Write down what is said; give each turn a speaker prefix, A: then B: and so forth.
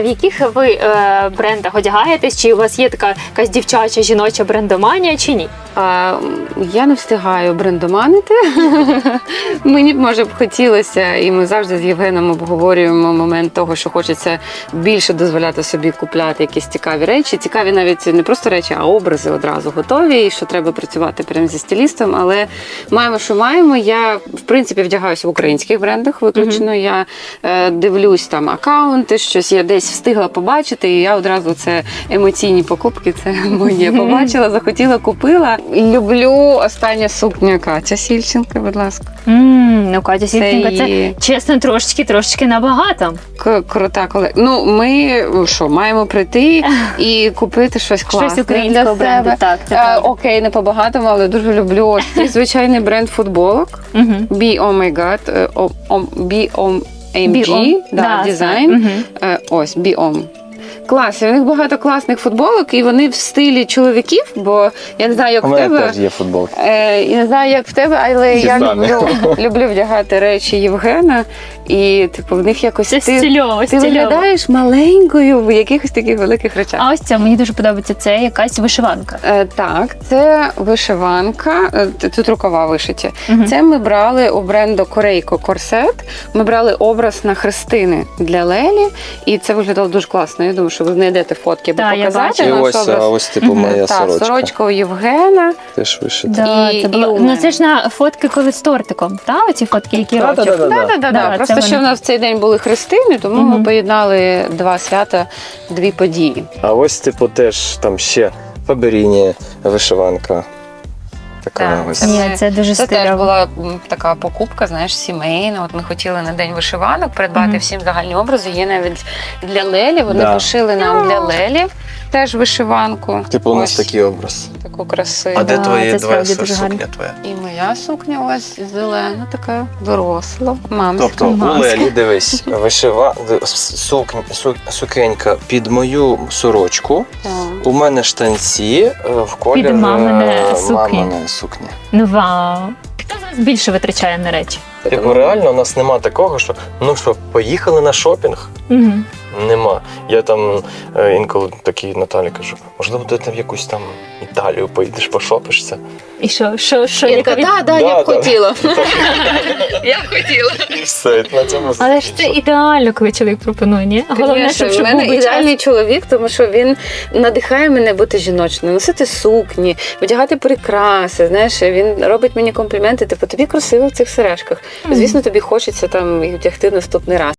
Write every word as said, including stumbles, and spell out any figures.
A: В яких ви е, брендах одягаєтесь? Чи у вас є така якась дівчача, жіноча брендоманія, чи ні?
B: А, я не встигаю брендоманити. Мені б, може б хотілося, і ми завжди з Євгеном обговорюємо момент того, що хочеться більше дозволяти собі купляти якісь цікаві речі. Цікаві навіть не просто речі, а образи одразу готові, і що треба працювати прямо зі стилістом. Але маємо, що маємо. Я, в принципі, вдягаюся в українських брендах виключно. Mm-hmm. Я е, дивлюсь там акаунти, щось я десь встигла побачити, і я одразу це емоційні покупки, це моє. Побачила, захотіла, купила. Люблю остання сукня Катя Сільченка, будь ласка.
A: Mm, ну, Катя Сільченка, це,
B: її...
A: це, чесно, трошечки, трошечки набагато.
B: К- крута колега. Ну, ми, що, маємо прийти і купити щось класне.
A: Щось українського бренду, так. Це
B: а, окей, не по-багатому, але дуже люблю ось цей звичайний бренд футболок.
A: Uh-huh.
B: Be Oh My God, uh, um, Be On ем джі, да,
A: да,
B: дизайн. Uh-huh. Ось, Be On. Клас, у них багато класних футболок, і вони в стилі чоловіків, бо я не знаю, як
C: у
B: в
C: мене
B: тебе.
C: теж є футболки.
B: Е, я не знаю, як в тебе, але
C: Ті
B: я
C: самі.
B: люблю, люблю вдягати речі Євгена, і типу в них якось
A: Це
B: ти,
A: стильово,
B: ти
A: стильово.
B: виглядаєш маленькою в якихось таких великих речах.
A: А ось це, мені дуже подобається, це якась вишиванка.
B: Е, так, це вишиванка, е, тут рукава вишиті.
A: Угу.
B: Це ми брали у бренду Корейко Корсет. Ми брали образ на хрестини для Лелі, і це виглядало дуже класно. Я думаю, що ви знайдете фотки,
A: Так,
B: бо
A: я
B: показати
A: бачила.
C: І
B: наш
C: ось,
B: образ.
C: а ось типу моя
B: Так,
C: сорочка.
B: сорочка у Євгена.
C: Теж вишита.
A: Да,
B: І-
A: це
B: і
A: було...
B: у
A: Ну
B: мене.
A: це ж на фотки коли з тортиком, та? Оці фотки, які
C: Да,
A: рочок.
C: да, да, да.
B: Да, да, да,
A: Да,
B: да. Просто
A: це
B: що в
A: вони.
B: нас в цей день були хрестини, тому
A: Мгм.
B: ми поєднали два свята, дві події.
C: А ось типу теж там ще Фаберіні вишиванка. Така
B: Так,
C: ось.
B: це
A: Ні,
B: ми-
A: це дуже
B: Це теж
A: стильово.
B: була м, така покупка, знаєш, сімейна. От ми хотіли на день вишиванок придбати
A: Мгм.
B: всім загальні образи. Є навіть для Лелі. Вони
C: Да.
B: пошили нам для Лелі теж вишиванку.
C: Типу у нас
B: Ось
C: такий образ.
B: таку красиву.
C: А де
A: Да,
C: твої
A: це
C: твоя
A: справді дуже
C: сукня твоя?
B: І моя сукня ось зелена, така доросла, мамська.
C: Тобто у
A: маска.
C: Лелі, дивись, вишива сукня, су- сукенька під мою сорочку.
B: Так.
C: У мене штанці е, в колір
A: Під мамине
C: е,
A: сукні.
C: маминої сукні.
A: Ну вау. Хто зараз більше витрачає на речі?
C: Типу, реально у нас нема такого, що ну що, поїхали на шопінг?
A: Угу.
C: Нема. Я там е, інколи такій Наталі кажу, можливо, ти там в якусь там Італію поїдеш, пошопишся.
A: І що, що, що,
B: Я
A: яка
B: така,
A: від...
B: да, да, я б
C: Да, да.
B: хотіла. Я б хотіла.
C: І все, і на цьому
A: Але ж це ідеально, коли чоловік пропонує, ні? Головне,
B: Конечно,
A: щоб,
B: в
A: щоб
B: мене
A: був би
B: ідеальний
A: час.
B: чоловік, тому що він надихає мене бути жіночною, носити сукні, одягати прикраси. Знаєш, він робить мені компліменти, типу, тобі красиво в цих сережках. Звісно, тобі хочеться там їх вдягти наступний раз.